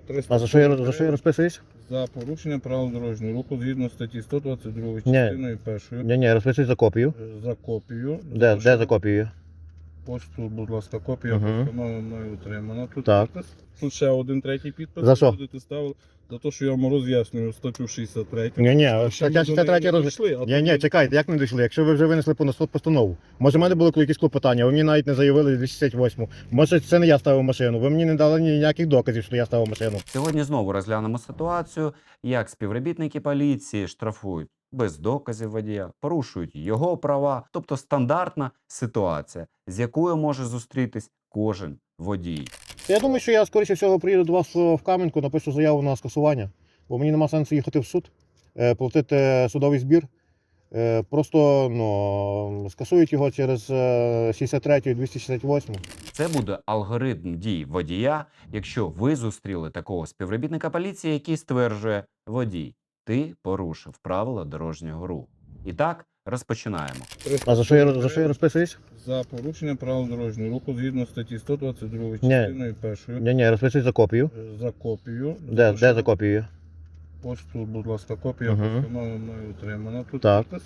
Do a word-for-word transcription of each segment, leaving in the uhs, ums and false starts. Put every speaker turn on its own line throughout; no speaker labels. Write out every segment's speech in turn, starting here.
А за що я, за що я розписуюсь?
За порушення правил дорожнього руху згідно статті сто двадцять два частиною першою.
Ні, ні, розписуюсь за копію.
За копію.
Де, де за копію?
Ось тут, будь ласка, копія
Угу.
постанови мною отримана. Тут
Так.
підпис. Тут ще один третій підпис.
За що?
Будете ставили. За те, що я вам роз'яснюю статтю шістдесят три.
Ні, ні,
Ще
стаття
ми до
шістдесят три
неї не
роз...
дійшли, а
Ні,
тут
ні, чекайте, як не дійшли? Якщо ви вже винесли по суд постанову. Може, в мене були якісь клопотання, ви мені навіть не заявили двісті шістдесят восьму. Може, це не я ставив машину, ви мені не дали ніяких доказів, що я ставив машину.
Сьогодні знову розглянемо ситуацію, як співробітники поліції штрафують без доказів водія, порушують його права, тобто стандартна ситуація, з якою може зустрітись кожен водій.
Я думаю, що я, скоріше всього, приїду до вас в Кам'янку, напишу заяву на скасування, бо мені нема сенсу їхати в суд, е, платити судовий збір. Е, Просто ну, скасують його через е, шістдесят три і двісті шістдесят восьму.
Це буде алгоритм дій водія, якщо ви зустріли такого співробітника поліції, який стверджує: водій, ти порушив правила дорожнього руху. І так, розпочинаємо.
А за що я, за що я розписуюсь?
За порушення правил дорожнього руху згідно статті сто двадцять два
Ні.
частиною першою.
Ні, ні, розписуюсь за копію.
За копію.
Де, де за копію?
Ось тут, будь ласка, копія
Угу.
постанови мною отримана. Тут
Так.
підпис.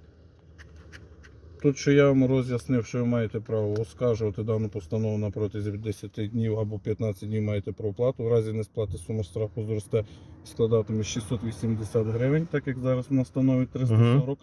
Тут, що я вам роз'яснив, що ви маєте право оскаржувати дану постанову на протязі десяти днів або п'ятнадцяти днів маєте про оплату. В разі несплати сума штрафу зросте і складатиме шістсот вісімдесят гривень, так як зараз вона становить триста сорок.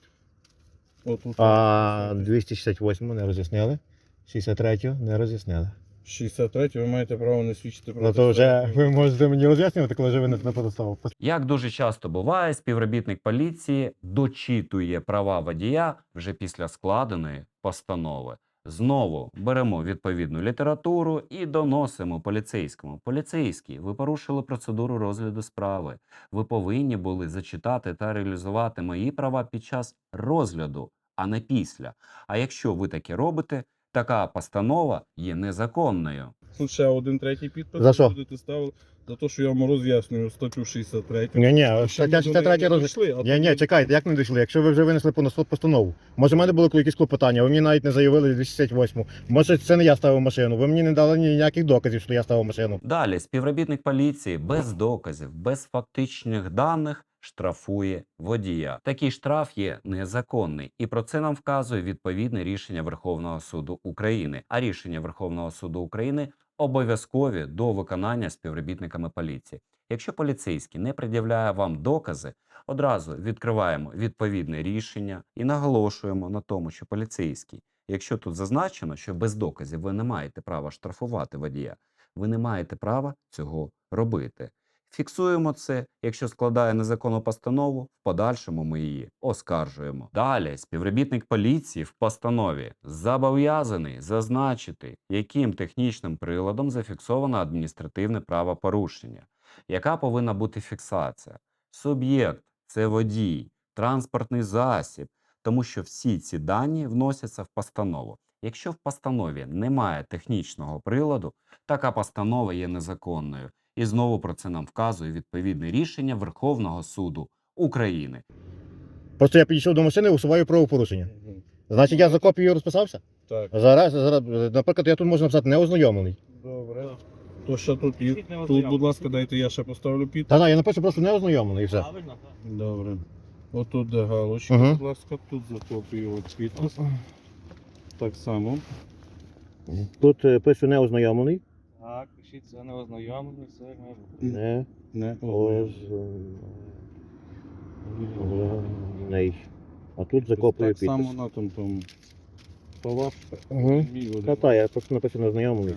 Отут
А двісті шістдесят восьму не роз'яснили, шістдесят третю не роз'яснили.
шістдесят три ви маєте право не свідчити про
Ну то вже ви можете мені роз'яснювати, коли вже винесли постанову.
Як дуже часто буває, співробітник поліції дочитує права водія вже після складеної постанови. Знову беремо відповідну літературу і доносимо поліцейському. Поліцейський, ви порушили процедуру розгляду справи. Ви повинні були зачитати та реалізувати мої права під час розгляду, а не після. А якщо ви таке робите, така постанова є незаконною.
Тут ще один третій підпис.
За що?
Будете ставили за те, що я вам роз'яснюю статтю шістдесят три.
Ні, ні,
Ще
стаття
ми до
шістдесят
неї
три
не
роз...
дійшли, а
Ні, ні,
тут-
чекайте, як не дійшли? Якщо ви вже винесли по суд постанову. Може, в мене були якісь клопотання, ви мені навіть не заявили двісті шістдесят восьму. Може, це не я ставив машину, ви мені не дали ніяких доказів, що я ставив машину.
Далі співробітник поліції без доказів, без фактичних даних штрафує водія. Такий штраф є незаконний, і про це нам вказує відповідне рішення Верховного суду України. А рішення Верховного суду України обов'язкові до виконання співробітниками поліції. Якщо поліцейський не пред'являє вам докази, одразу відкриваємо відповідне рішення і наголошуємо на тому, що поліцейський, якщо тут зазначено, що без доказів ви не маєте права штрафувати водія, ви не маєте права цього робити. Фіксуємо це, якщо складає незаконну постанову, в подальшому ми її оскаржуємо. Далі співробітник поліції в постанові зобов'язаний зазначити, яким технічним приладом зафіксовано адміністративне правопорушення. Яка повинна бути фіксація? Суб'єкт – це водій, транспортний засіб, тому що всі ці дані вносяться в постанову. Якщо в постанові немає технічного приладу, така постанова є незаконною. І знову про це нам вказує відповідне рішення Верховного суду України.
Просто я підійшов до машини і усуваю правопорушення.
Мгм.
Значить, я за копією розписався?
Так,
Зараз, зараз, наприклад, я тут можу написати неознайомлений.
добре. То що тут є? Тут, будь ласка, дайте я ще поставлю підпис.
Та, та, я напишу просто неознайомлений і все.
Правильно, так.
Добре. Отут де галочка,
Мгм.
будь ласка, тут за копію от підпис. Так само.
Тут е, пишу неознайомлений.
Так, пишіть, це не ознайомлений, це не
Не
Не
ознайомлений. А тут за копією
Так само
підпис.
на тому тому. То ваш
Угу.
мій один.
Та, та, я просто напишу неознайомлений.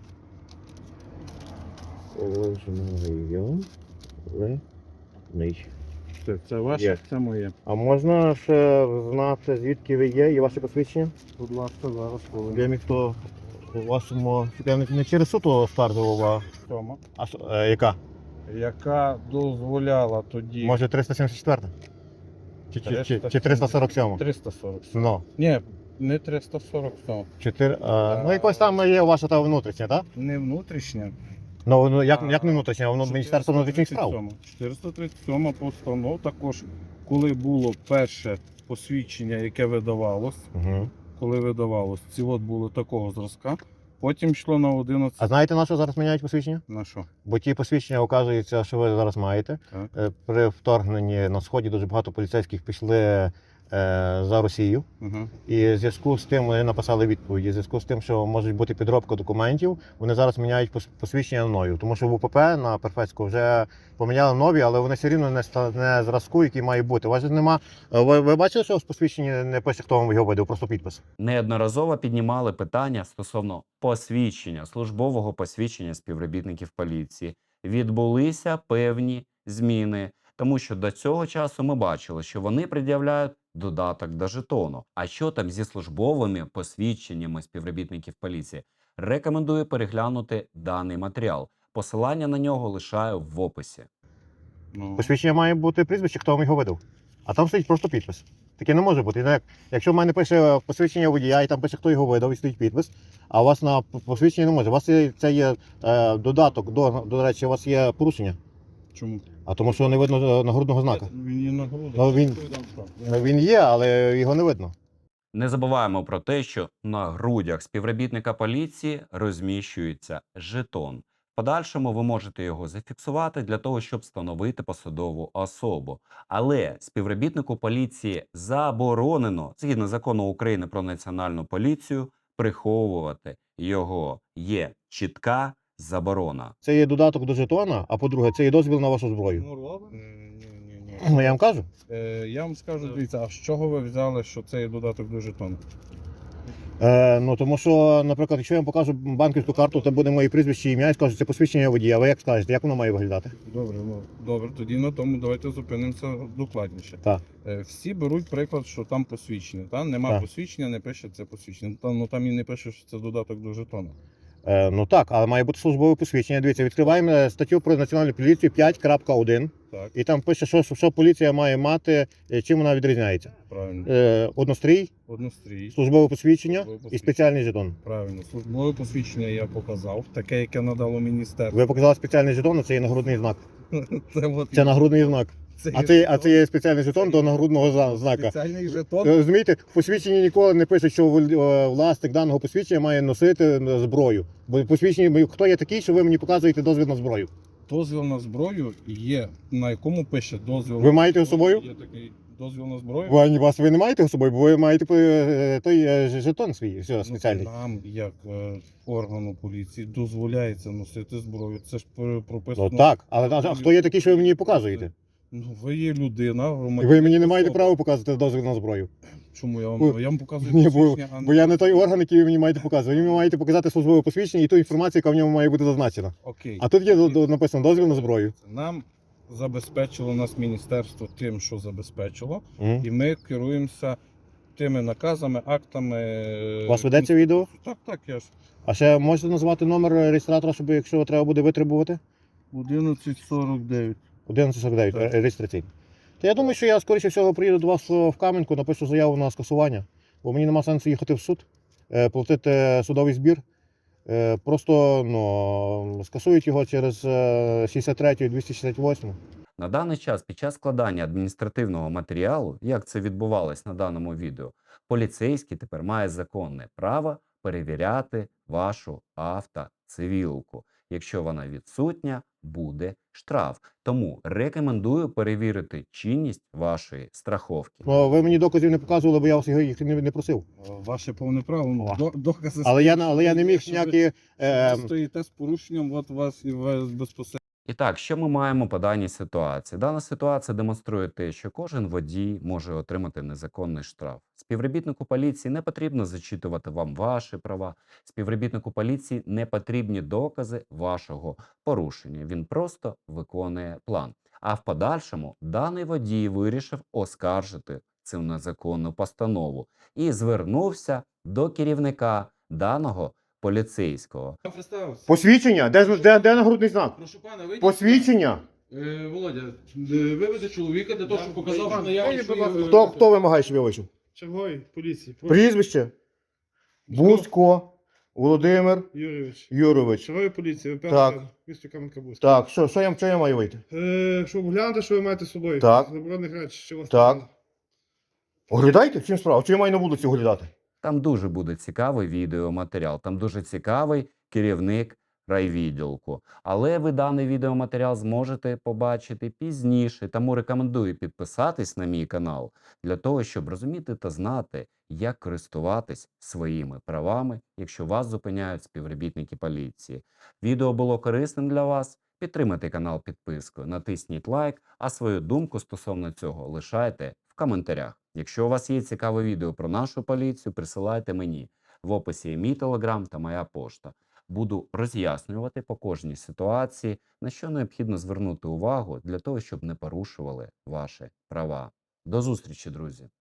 Ознайомлений.
Це, це ваше,
Є.
це моє.
А можна ще знати, звідки ви є і ваше посвідчення?
Будь ласка, зараз коли.
Я міг то у вашому... Я не, не через суд стартував, а...
Тома.
а с- е, яка?
Яка дозволяла тоді.
Може триста сімдесят четверта? Чи, чи, чи, чи триста сорок сьома?
триста сорок.
Ну,
Ні, не триста сорок сьом.
чотири, а, ну якось там є ваша та внутрішня, так?
Не внутрішня.
Ну, ну як,
А,
як не внутрішня, воно Міністерство внутрішніх справ.
чотириста тридцять сьома постанова також, коли було перше посвідчення, яке видавалось,
Угу.
коли видавалось, ці от були такого зразка, Потім йшло на одинадцять.
А знаєте, на що зараз міняють посвідчення?
На що?
Бо ті посвідчення, оказується, що ви зараз маєте.
Так.
Е, При вторгненні на Сході дуже багато поліцейських пішли е, за Росію.
Угу.
І в зв'язку з тим вони написали відповіді. В зв'язку з тим, що може бути підробка документів, вони зараз міняють пос- посвідчення на нові. Тому що в УПП на Перфецьку вже поміняли нові, але вони все рівно не, ста- не зразку, який має бути. У вас же нема. Ви, ви бачили, що в посвідченні не пише, хто вам його видав, просто підпис.
Неодноразово піднімали питання стосовно посвідчення, службового посвідчення співробітників поліції. Відбулися певні зміни, тому що до цього часу ми бачили, що вони пред'являють додаток до жетону. А що там зі службовими посвідченнями співробітників поліції? Рекомендую переглянути даний матеріал. Посилання на нього лишаю в описі.
Ну,
Посвідчення має бути прізвище, хто вам його видав. А там стоїть просто підпис. Таке не може бути. Як- Якщо в мене пише посвідчення водія, і там пише, хто його видав, і стоїть підпис, а у вас на посвідченні не може. У вас є, це є е, додаток, до, до речі, у вас є порушення.
чому?
А тому що не видно нагрудного знака.
Він є на грудах.
Ну, він-
Відповідав, так.
Ну, він є, але його не видно.
Не забуваємо про те, що на грудях співробітника поліції розміщується жетон. В подальшому ви можете його зафіксувати для того, щоб встановити посадову особу. Але співробітнику поліції заборонено, згідно закону України про національну поліцію, приховувати його. Є чітка заборона.
Це є додаток до жетона, а по-друге, це є дозвіл на вашу зброю.
Ну, робить? Ні, ні, ні.
Ну я вам кажу.
Е, я вам скажу, дивіться, а з чого ви взяли, що це є додаток до жетону?
Е, ну тому що, наприклад, якщо я вам покажу банківську карту, то буде моє прізвище, ім'я і скажу, це посвідчення водія. Ви як скажете, як воно має виглядати?
Добре, ну добре, тоді на тому давайте зупинимося докладніше.
Так.
Е, всі беруть приклад, що там посвідчення. Там нема
Так.
посвідчення, не пише це посвідчення. Там, ну там і не пише, що це додаток до жетону.
Е, ну так, але має бути службове посвідчення. Дивіться, відкриваємо е, статтю про національну поліцію п'ять крапка один.
Так,
І там пише, що, що поліція має мати, е, чим вона відрізняється.
правильно.
Е, однострій,
Однострій.
службове посвідчення
Службове
і
посвідчення.
спеціальний жетон.
Правильно. Службове посвідчення я показав, таке, яке надало міністерство.
Ви показали спеціальний жетон, а це є нагрудний знак.
Це, от,
Це нагрудний знак.
це
А
є
це, а
жетон.
це є спеціальний жетон до нагрудного зна- знака.
Спеціальний жетон.
Е, Розумієте, в посвідченні ніколи не пише, що вол- е, власник даного посвідчення має носити е, зброю. Бо в посвідченні, хто є такий, що ви мені показуєте дозвіл на зброю?
Дозвіл на зброю є, на якому пише дозвіл.
Ви маєте з собою?
Є такий дозвіл на зброю.
Ви, вас ви не маєте з собою, бо ви маєте е, той е, ж- жетон свій все,
Ну,
спеціальний.
Нам, як е, органу поліції, дозволяється носити зброю. Це ж пр- прописано.
Ну так, але а, а хто є такий, що ви мені показуєте?
Ну, ви є людина,
І
громадянин.
ви мені не маєте права показувати дозвіл на зброю.
Чому я
Бо-
вам, я вам показую
Ні, бо,
посвідчення, а
бо я не той орган, який ви мені маєте показувати. Ви мені маєте показати службове посвідчення і ту інформацію, яка в ньому має бути зазначена.
Окей.
А тут є до- до- написано дозвіл на зброю.
Нам забезпечило нас міністерство тим, що забезпечило,
Мгм.
і ми керуємося тими наказами, актами. е,
У вас ведеться відео?
Так, так, я ж.
А ще можете назвати номер реєстратора, щоб якщо треба буде витребувати?
одинадцять сорок дев'ять.
одинадцять сорок дев'ять,
Так.
ре- реєстраційний. То я думаю, що я скоріше всього приїду до вас в Кам'янку, напишу заяву на скасування, бо мені нема сенсу їхати в суд, е, платити судовий збір. Е, Просто ну, скасують його через е, шістдесят третю, двісті шістдесят восьму.
На даний час під час складання адміністративного матеріалу, як це відбувалось на даному відео, поліцейський тепер має законне право перевіряти вашу автоцивілку. Якщо вона відсутня, буде штраф. Тому рекомендую перевірити чинність вашої страховки.
Ну, ви мені доказів не показували, бо я вас його- їх не, не просив.
Ваше повне право. Ну,
О.
до- докази.
Але я, на- але я не міг
Що ви-
ніякі. Е,
Ви стоїте з порушенням, от вас і вас безпосередньо.
І так, що ми маємо по даній ситуації? Дана ситуація демонструє те, що кожен водій може отримати незаконний штраф. Співробітнику поліції не потрібно зачитувати вам ваші права. Співробітнику поліції не потрібні докази вашого порушення. Він просто виконує план. А в подальшому даний водій вирішив оскаржити цю незаконну постанову і звернувся до керівника даного поліцейського.
Посвідчення? Де, де, де нагрудний знак?
Прошу пана, вийдіть.
Посвідчення?
Е, Володя, е, виведи чоловіка для того, щоб показав, що наявність
Вийдіть, будь ласка.
Хто, хто вимагає, щоб я вийшов?
Черговий поліції.
Прізвище? Бузько Володимир
Юрійович.
Юрович.
Черговий поліції, ви
Так.
перший місто Кам'янка-Бузька.
Так, що, що, я, що я маю вийти?
Е, щоб оглянути, що ви маєте з собою.
Так.
Заборонених речей, що у вас
Так.
там.
Оглядайте? В чим справа? Чи я маю на вулиці оглядати?
Там дуже буде цікавий відеоматеріал, там дуже цікавий керівник райвідділку. Але ви даний відеоматеріал зможете побачити пізніше, тому рекомендую підписатись на мій канал для того, щоб розуміти та знати, як користуватись своїми правами, якщо вас зупиняють співробітники поліції. Відео було корисним для вас? Підтримайте канал підпискою, натисніть лайк, а свою думку стосовно цього лишайте в коментарях. Якщо у вас є цікаве відео про нашу поліцію, присилайте мені. В описі є мій телеграм та моя пошта. Буду роз'яснювати по кожній ситуації, на що необхідно звернути увагу для того, щоб не порушували ваші права. До зустрічі, друзі!